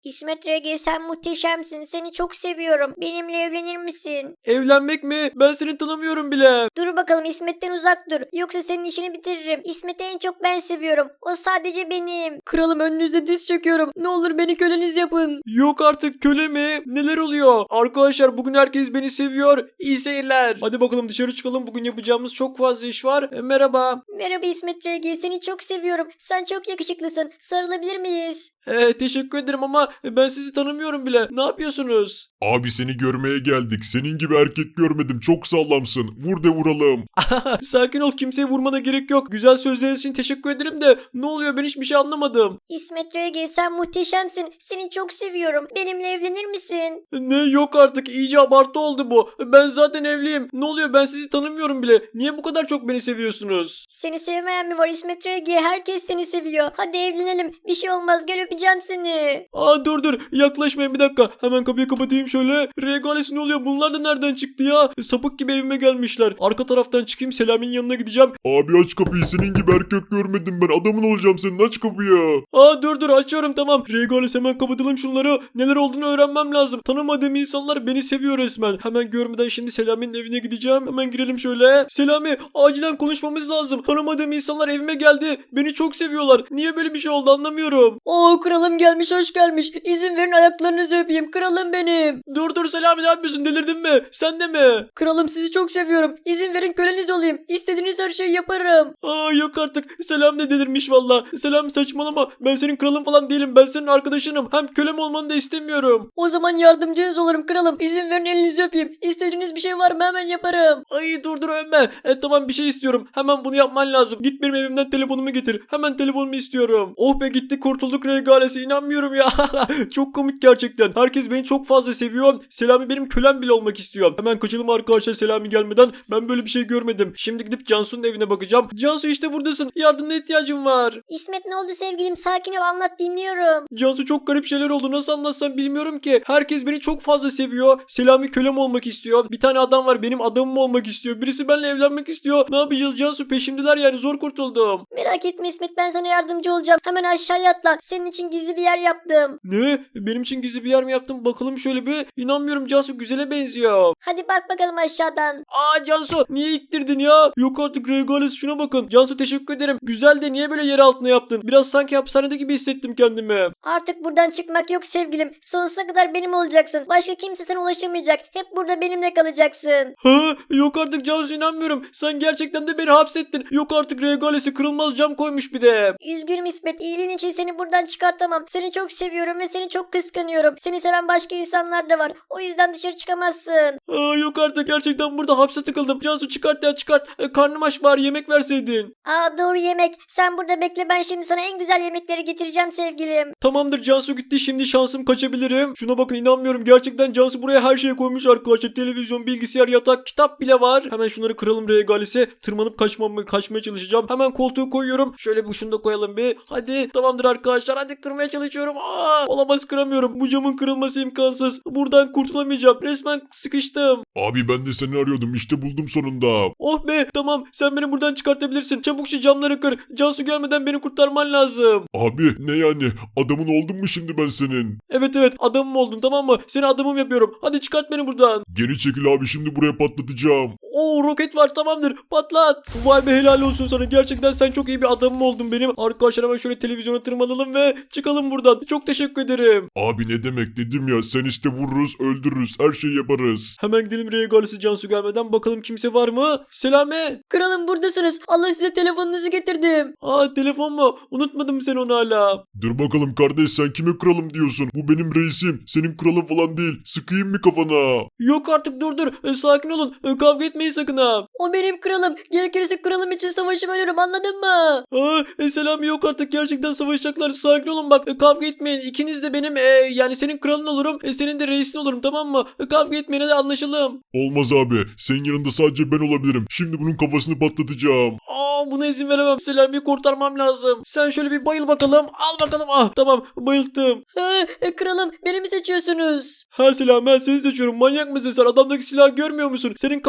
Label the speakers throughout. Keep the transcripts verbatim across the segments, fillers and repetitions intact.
Speaker 1: İsmet R G sen muhteşemsin. Seni çok seviyorum. Benimle evlenir misin?
Speaker 2: Evlenmek mi? Ben seni tanımıyorum bile.
Speaker 1: Dur bakalım İsmet'ten uzak dur. Yoksa senin işini bitiririm. İsmet'i en çok ben seviyorum. O sadece benim.
Speaker 3: Kralım önünüzde diz çöküyorum. Ne olur beni köleniz yapın.
Speaker 2: Yok artık, köle mi? Neler oluyor? Arkadaşlar bugün herkes beni seviyor. İyi seyirler. Hadi bakalım dışarı çıkalım. Bugün yapacağımız çok fazla iş var. E, merhaba.
Speaker 1: Merhaba İsmet R G. Seni çok seviyorum. Sen çok yakışıklısın. Sarılabilir miyiz?
Speaker 2: E, teşekkür ederim ama ben sizi tanımıyorum bile. Ne yapıyorsunuz?
Speaker 4: Abi seni görmeye geldik. Senin gibi erkek görmedim. Çok sağlamsın. Vur de vuralım.
Speaker 2: Sakin ol, kimseye vurmana gerek yok. Güzel sözleriniz için teşekkür ederim de ne oluyor, ben hiçbir şey anlamadım.
Speaker 1: İsmet R G sen muhteşemsin. Seni çok seviyorum. Benimle evlenir misin?
Speaker 2: Ne, yok artık, iyice abartı oldu bu. Ben zaten evliyim. Ne oluyor, ben sizi tanımıyorum bile. Niye bu kadar çok beni seviyorsunuz?
Speaker 1: Seni sevmeyen mi var İsmet R G? Herkes seni seviyor. Hadi evlenelim. Bir şey olmaz. Gel öpeceğim seni.
Speaker 2: Aa dur dur, yaklaşmayın bir dakika. Hemen kapıyı kapatayım şöyle. Regalesi ne oluyor, bunlar da nereden çıktı ya? Sapık gibi evime gelmişler. Arka taraftan çıkayım, Selami'nin yanına gideceğim.
Speaker 4: Abi aç kapıyı. Senin gibi erkek görmedim ben. Adamın olacağım senin. Aç kapıyı.
Speaker 2: Aa dur dur, açıyorum tamam. Regales, hemen kapatalım şunları. Neler olduğunu öğrenmem lazım. Tanımadığım insanlar beni seviyor resmen. Hemen görmeden şimdi Selami'nin evine gideceğim. Hemen girelim şöyle. Selami, acilen konuşmamız lazım. Tanımadığım insanlar evime geldi. Beni çok seviyorlar. Niye böyle bir şey oldu anlamıyorum.
Speaker 3: Oo kralım gelmiş, hoş gelmiş. İzin verin ayaklarınızı öpeyim. Kralım benim.
Speaker 2: Dur dur Selami, ne yapıyorsun, delirdin mi? Sen de mi?
Speaker 3: Kralım sizi çok seviyorum. İzin verin köleniz olayım. İstediğiniz her şeyi yaparım.
Speaker 2: Aa yok artık. Selam ne delirmiş valla. Selam saçmalama. Ben senin kralın falan değilim. Ben senin arkadaşınım. Hem kölem olmanı da istemiyorum.
Speaker 3: O zaman yardımcınız olurum kralım. İzin verin elinizi öpeyim. İstediğiniz bir şey var mı hemen yaparım.
Speaker 2: Ay dur dur övme. E, tamam, bir şey istiyorum. Hemen bunu yapman lazım. Git benim evimden telefonumu getir. Hemen telefonumu istiyorum. Oh be, gitti kurtulduk regalesi. İnanmıyorum ya. Çok komik gerçekten. Herkes beni çok fazla seviyor. Selami benim kölem bile olmak istiyor. Hemen kaçalım arkadaşlar Selami gelmeden. Ben böyle bir şey görmedim. Şimdi gidip Cansu'nun evine bakacağım. Cansu, işte buradasın. Yardımına ihtiyacım var.
Speaker 1: İsmet ne oldu sevgilim? Sakin ol, anlat, dinliyorum.
Speaker 2: Cansu, çok garip şeyler oldu. Nasıl anlatsam bilmiyorum ki. Herkes beni çok fazla seviyor. Selami kölem olmak istiyor. Bir tane adam var, benim adamım olmak istiyor. Birisi benimle evlenmek istiyor. Ne yapacağız Cansu? Peşimdeler yani, zor kurtuldum.
Speaker 1: Merak etme İsmet, ben sana yardımcı olacağım. Hemen aşağıya atla. Senin için gizli bir yer yaptım.
Speaker 2: Ne? Benim için gizli bir yer mi yaptın? Bakalım şöyle bir. İnanmıyorum Cansu, güzele benziyor.
Speaker 1: Hadi bak bakalım aşağıdan.
Speaker 2: Aa Cansu, niye ittirdin ya? Yok artık Regales, şuna bakın. Cansu teşekkür ederim. Güzel de niye böyle yer altına yaptın? Biraz sanki hapishanede gibi hissettim kendimi.
Speaker 1: Artık buradan çıkmak yok sevgilim. Sonsuza kadar benim olacaksın. Başka kimse sana ulaşamayacak. Hep burada benimle kalacaksın.
Speaker 2: Ha? Yok artık Cansu, inanmıyorum. Sen gerçekten de beni hapsettin. Yok artık, Regales'e kırılmaz cam koymuş bir de.
Speaker 1: Üzgünüm İsmet. İyiliğin için seni buradan çıkartamam. Seni çok seviyorum ve seni çok kıskanıyorum. Seni seven başka insanlar da var. O yüzden dışarı çıkamazsın.
Speaker 2: Aa, yok artık, gerçekten burada hapse tıkıldım. Cansu çıkart ya, çıkart. E, karnım aç, bari yemek verseydin.
Speaker 1: Aa doğru, yemek. Sen burada bekle, ben şimdi sana en güzel yemekleri getireceğim sevgilim.
Speaker 2: Tamamdır, Cansu gitti, şimdi şansım kaçabilirim. Şuna bakın, inanmıyorum. Gerçekten Cansu buraya her şeyi koymuş arkadaşlar. Televizyon, bilgisayar, yatak, kitap bile var. Hemen şunları kıralım Regales'e. Tırmanıp kaçmam, kaçmaya çalışacağım. Hemen koltuğu koyuyorum. Şöyle bir şunu da koyalım bir. Hadi tamamdır arkadaşlar. Hadi, kırmaya çalışıyorum. Aa, olamaz, kıramıyorum. Bu camın kırılması imkansız. Buradan kurtulamayacağım. Resmen sıkıştım.
Speaker 4: Abi ben de seni arıyordum. İşte buldum sonunda.
Speaker 2: Oh be, tamam, sen beni buradan çıkartabilirsin. Çabuk şu camları kır. Cansu gelmeden beni kurtarman lazım.
Speaker 4: Abi ne yani? Adamın oldum mu şimdi ben senin?
Speaker 2: Evet evet, adamım oldun, tamam mı? Seni adamım yapıyorum. Hadi çıkart beni buradan.
Speaker 4: Geri çekil abi, şimdi buraya patlatacağım.
Speaker 2: Oo, roket var, tamamdır, patlat. Vay be, helal olsun sana. Gerçekten sen çok iyi bir adamım oldun benim. Arkadaşlar hemen şöyle televizyona tırmanalım ve çıkalım buradan. Çok teşekkür ederim.
Speaker 4: Abi ne demek, dedim ya, sen işte vururuz öldürürüz, her şeyi yaparız.
Speaker 2: Hemen gidelim Regalesi Cansu gelmeden, bakalım kimse var mı? Selami.
Speaker 3: Kralım buradasınız. Allah size telefonunuzu getirdim.
Speaker 2: Aa, telefon mu? Unutmadım sen onu hala.
Speaker 4: Dur bakalım kardeş, sen kime kralım diyorsun? Bu benim reisim, senin kralın falan değil. Sıkayım mı kafana?
Speaker 2: Yok artık, dur dur. E, sakin olun. E, kavga etmeyin sakın ha.
Speaker 3: O benim kralım. Gerekirse kralım için savaşıp ölürüm, anladın mı?
Speaker 2: Aa, e, Selami, yok artık, gerçekten savaşacaklar. Sakin olun bak, e, kavga etmeyin. İkiniz de benim e, yani senin kralın olurum. E, senin de reisin olurum, tamam mı? E, kavga etmeyin, hadi anlaşalım.
Speaker 4: Olmaz abi, senin yanında sadece ben olabilirim. Şimdi bunun kafasını patlatacağım.
Speaker 2: Aa, buna izin veremem. Selami'yi kurtarmam lazım. Sen şöyle bir bayıl bakalım. Al bakalım. Ah, tamam, bayılttım.
Speaker 3: Ha, e, kralım beni mi seçiyorsunuz?
Speaker 2: Ha Selami, ben seni seçiyorum. Manyak mısın sen? Adamdaki silahı görmüyor musun? Senin kafanı patlat.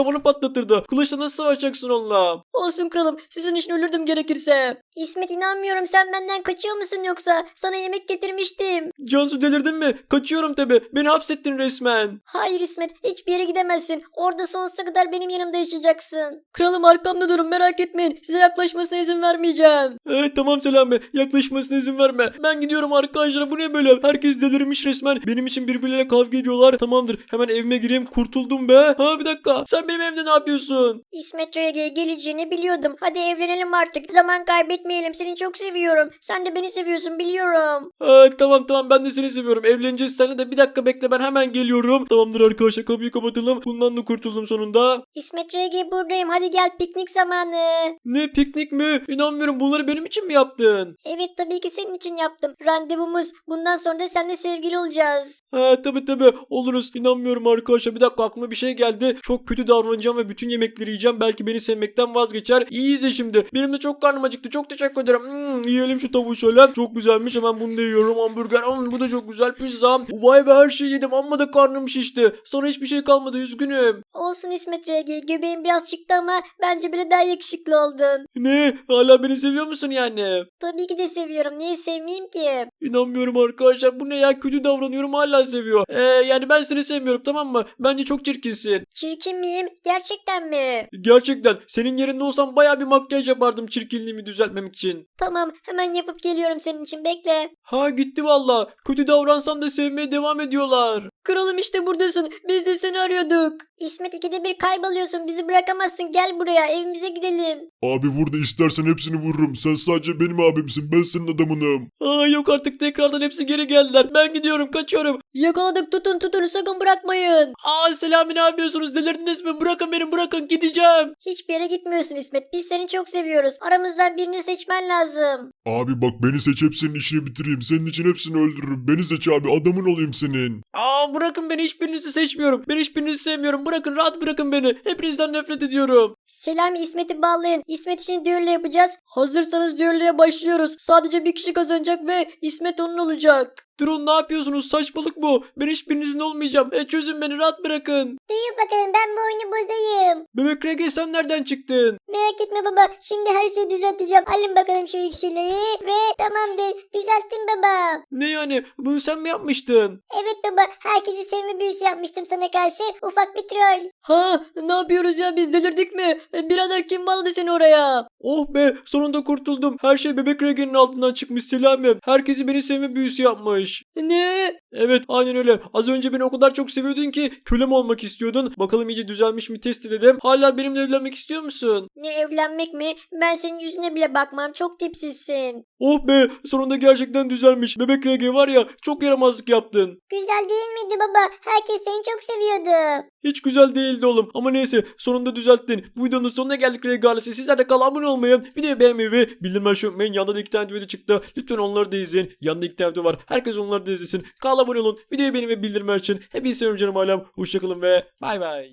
Speaker 2: patlatırdı. Kılıçla nasıl savaşacaksın onunla?
Speaker 3: Olsun kralım, sizin için ölürdüm gerekirse.
Speaker 1: İsmet inanmıyorum, sen benden kaçıyor musun yoksa? Sana yemek getirmiştim.
Speaker 2: Cansu delirdin mi? Kaçıyorum tabi. Beni hapsettin resmen.
Speaker 1: Hayır İsmet, hiçbir yere gidemezsin. Orada sonsuza kadar benim yanımda yaşayacaksın.
Speaker 3: Kralım arkamda durun, merak etmeyin. Size yaklaşmasına izin vermeyeceğim.
Speaker 2: Evet tamam Selami. Yaklaşmasına izin verme. Ben gidiyorum arkadaşlar. Bu ne böyle? Herkes delirmiş resmen. Benim için birbirleriyle kavga ediyorlar. Tamamdır. Hemen evime gireyim. Kurtuldum be. Ha bir dakika. Sen benim evde ne yapıyorsun?
Speaker 1: İsmet Rege'ye geleceğini biliyordum. Hadi evlenelim artık. Zaman kaybetmeyelim. Seni çok seviyorum. Sen de beni seviyorsun biliyorum.
Speaker 2: Ha, tamam tamam ben de seni seviyorum. Evleneceğiz seninle de bir dakika bekle ben hemen geliyorum. Tamamdır arkadaşlar kapıyı kapatalım. Bundan da kurtuldum sonunda.
Speaker 1: İsmet Rege buradayım. Hadi gel, piknik zamanı.
Speaker 2: Ne piknik mi? İnanmıyorum bunları benim için mi yaptın?
Speaker 1: Evet, tabii ki senin için yaptım. Randevumuz. Bundan sonra da seninle sevgili olacağız.
Speaker 2: Ha tabi tabi oluruz. İnanmıyorum arkadaşlar. Bir dakika aklıma bir şey geldi. Çok kötü davranacağım ve bütün yemekleri yiyeceğim. Belki beni sevmekten vazgeçer. İyi izle şimdi. Benim de çok karnım acıktı. Çok teşekkür ederim. Hmm, yiyelim şu tavuğu şöyle. Çok güzelmiş. Hemen bunu da yiyorum. Hamburger. Hmm, bu da çok güzel. Pizza. Vay be her şeyi yedim. Amma da karnım şişti. Sonra hiçbir şey kalmadı. Üzgünüm.
Speaker 1: Olsun İsmet Rege. Göbeğin biraz çıktı ama bence bile daha yakışıklı oldun.
Speaker 2: Ne? Hala beni seviyor musun yani?
Speaker 1: Tabii ki de seviyorum. Niye sevmeyeyim ki?
Speaker 2: İnanmıyorum arkadaşlar. Bu ne ya? Kötü davranıyorum hala seviyor. Ee, yani ben seni sevmiyorum tamam mı? Bence çok çirkinsin.
Speaker 1: Çirkin miyim? Gerçekten mi?
Speaker 2: Gerçekten. Senin yerinde olsam baya bir makyaj yapardım çirkinliğimi düzeltmemek için.
Speaker 1: Tamam, hemen yapıp geliyorum senin için. Bekle.
Speaker 2: Ha gitti valla. Kötü davransam da sevmeye devam ediyorlar.
Speaker 3: Kralım işte buradasın. Biz de seni arıyorduk.
Speaker 1: İsmet, ikide bir kayboluyorsun. Bizi bırakamazsın. Gel buraya. Evimize gidelim.
Speaker 4: Abi vur da istersen hepsini vururum. Sen sadece benim abimsin. Ben senin adamınım.
Speaker 2: Aa yok artık tekrardan hepsi geri geldiler. Ben gidiyorum kaçıyorum.
Speaker 3: Yakaladık, tutun tutun, sakın bırakmayın.
Speaker 2: Aa Selami ne yapıyorsunuz? Delirdiniz mi? Bırakın beni bırakın gideceğim.
Speaker 1: Hiçbir yere gitmiyorsun İsmet. Biz seni çok seviyoruz. Aramızdan birini seçmen lazım.
Speaker 4: Abi bak beni seç hepsinin işini bitireyim. Senin için hepsini öldürürüm. Beni seç abi adamın olayım senin.
Speaker 2: Aa bırakın beni hiçbirinizi seçmiyorum. Ben hiçbirinizi sevmiyorum. Bırakın rahat bırakın beni. Hepinizden nefret ediyorum.
Speaker 1: Selami, İsmet'i bağlayın. İsmet için düğünle yapacağız.
Speaker 3: Hazırsanız düelloya başlıyoruz. Sadece bir kişi kazanacak ve İsmet onun olacak.
Speaker 2: Durun ne yapıyorsunuz? Saçmalık bu. Ben hiçbirinizin olmayacağım. E çözün beni rahat bırakın.
Speaker 1: Duyun bakalım, ben bu oyunu bozayım.
Speaker 2: Bebek Rege sen nereden çıktın?
Speaker 1: Merak etme baba. Şimdi her şeyi düzelteceğim. Alın bakalım şu iksirleri ve tamamdır. Düzelttim baba.
Speaker 2: Ne yani? Bunu sen mi yapmıştın?
Speaker 1: Evet baba. Herkesi sevme büyüsü yapmıştım sana karşı. Ufak bir troll.
Speaker 3: Ha, ne yapıyoruz ya, biz delirdik mi? E, birader kim bağladı seni oraya?
Speaker 2: Oh be sonunda kurtuldum. Her şey Bebek Rege'nin altından çıkmış Selami. Herkesi beni sevme büyüsü yapmış.
Speaker 3: Ne?
Speaker 2: Evet aynen öyle. Az önce beni o kadar çok seviyordun ki kölem olmak istiyordun. Bakalım iyice düzelmiş mi test edelim. Hala benimle evlenmek istiyor musun?
Speaker 1: Ne, evlenmek mi? Ben senin yüzüne bile bakmam. Çok tipsizsin.
Speaker 2: Oh be sonunda gerçekten düzelmiş. Bebek Rege var ya çok yaramazlık yaptın.
Speaker 1: Güzel değil miydi baba? Herkes seni çok seviyordu.
Speaker 2: Hiç güzel değildi oğlum. Ama neyse sonunda düzelttin. Bu videonun sonuna geldik Rege ailesi. Sizler de kanala abone olmayı, videoyu beğenmeyi ve bildirim açmayı unutmayın. Yanında da iki tane video çıktı. Lütfen onları da izleyin. Yanında iki tane video var. Herkes onları da izlesin. Kanala abone olun. Videoyu beğenin ve bildirim açın. Hepinizi seviyorum canım ailem. Hoşçakalın ve bay bay.